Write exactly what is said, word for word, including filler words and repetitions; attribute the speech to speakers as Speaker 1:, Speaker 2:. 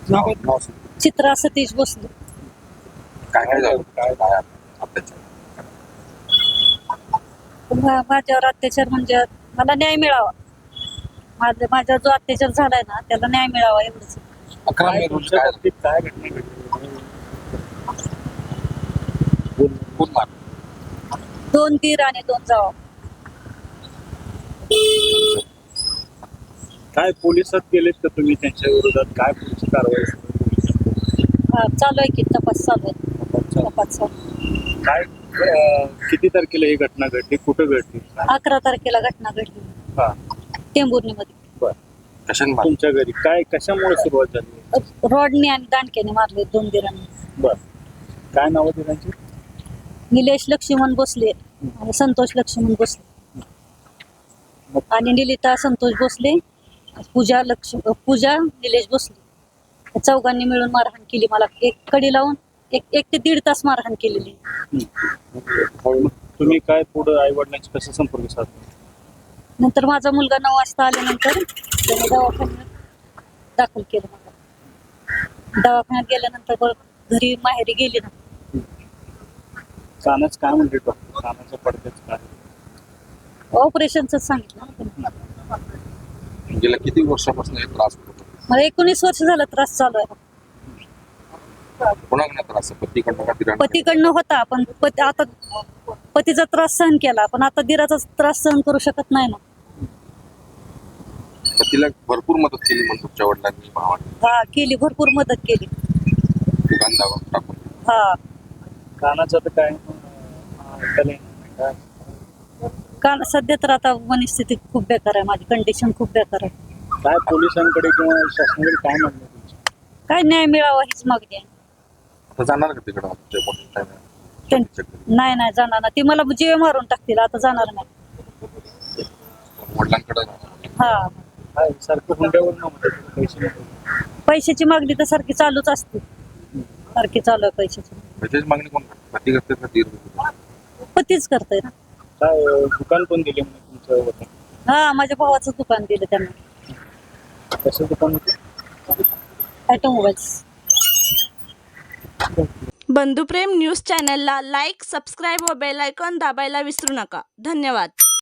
Speaker 1: नाव नाव सांग.
Speaker 2: चित्रा सतीश भोसले.
Speaker 1: काय काय झालं काय काय अत्याचार
Speaker 2: मा- माझ्यावर अत्याचार म्हणजे मला न्याय मिळावा. माझ्या माझ्या जो अत्याचार झालाय ना त्याला न्याय मिळावा एवढंच.
Speaker 1: अकरा मे रोजी काय झालं?
Speaker 3: काय घटना घडली?
Speaker 1: कोण मार
Speaker 2: दोन तीर आणि दोन जावा.
Speaker 3: काय पोलिसात गेलेत का तुम्ही त्यांच्या विरोधात? काय पोलीस कारवाई
Speaker 2: हा, चालू आहे की तपास चालू आहे. तपास चालू आहे.
Speaker 3: काय अं, किती तारखेला ही घटना घडली? कुठं घडली?
Speaker 2: अकरा तारखेला घटना घडली
Speaker 3: हा
Speaker 2: टेंभुर्णीमध्ये.
Speaker 3: बर.
Speaker 1: कशाने मार
Speaker 3: तुमच्या घरी काय कशामुळे सुरुवात झाली?
Speaker 2: रॉडने आणि दांडक्याने मारले दोन दिरांनी.
Speaker 3: बर. काय नाव होती त्यांची?
Speaker 2: निलेश लक्ष्मण भोसले आणि संतोष लक्ष्मण भोसले आणि निलिता संतोष भोसले, पूजा लक्ष्म पूजा निलेश भोसले या चौघांनी मिळून मारहाण केली. मला एक कडी लावून एक एक ते दीड तास मारहाण केलेली.
Speaker 3: मग तुम्ही काय पुढे आई वडिलांशी कसं संपर्क साधला?
Speaker 2: नंतर माझा मुलगा नऊ वाजता आल्यानंतर त्याने दवाखान्यात दाखल केलं. मला दवाखान्यात गेल्यानंतर परत घरी माहेरी गेली ना.
Speaker 3: कानाच काय म्हणते डॉक्टर? कानाच्या पडद्याच काय?
Speaker 2: ऑपरेशनच सांगितलं ना त्यांनी.
Speaker 1: गेल्या किती वर्षापासून हे त्रास होत होता?
Speaker 2: मला एकोणीस वर्ष झालं त्रास चालू आहे.
Speaker 1: कोणाकडे त्रास आहे? पतीकडनं का दिराकडनं?
Speaker 2: पतीकडनं होता पण पती आता पतीचा त्रास सहन केला पण आता दिराचा त्रास सहन करू शकत नाही ना.
Speaker 1: पतीला भरपूर मदत केली म्हणून तुमच्या वडिलांनी भावाने
Speaker 2: हा केली, भरपूर मदत केली.
Speaker 1: दुकान दावा टाकून.
Speaker 2: हा
Speaker 3: कानाचं तर काय अं, ऐकायला येणार नाही. काय
Speaker 2: कारण सध्या तर आता मनस्थिती खूप बेकार आहे. माझी कंडिशन खूप बेकार आहे.
Speaker 3: काय पोलिसांकडे किंवा शासनाकडे काय म्हणणं आहे तुमचं?
Speaker 2: काय न्याय मिळावा हीच मागणी आहे.
Speaker 1: आता जाणार का तिकडं ते मोठं time आहे?
Speaker 2: त्यां- नाही नाही जाणार ना. ती मला जीव मारून टाकतील. आता जाणार नाही.
Speaker 1: वडिलांकडे
Speaker 2: हा
Speaker 3: काय सारखं हुंड्यावर न म्हणतात पैसे नको.
Speaker 2: पैशाची मागणी तर सारखी चालूच असते. सारखी चालू आहे पैशाची.
Speaker 1: त्याची मागणी कोण करते? पती करते का दीर करते?
Speaker 2: पतीच करतोय ना.
Speaker 3: काय अं, दुकान पण दिले म्हणजे तुमचं होतं?
Speaker 2: हा माझ्या भावाचं दुकान दिलं त्यांना.
Speaker 3: कसं दुकान होतं?
Speaker 2: ऑटोमोबाईल्स.
Speaker 4: बंधुप्रेम न्यूज चॅनलला लाईक, सबस्क्राईब व बेल आयकॉन दाबायला विसरू नका. धन्यवाद.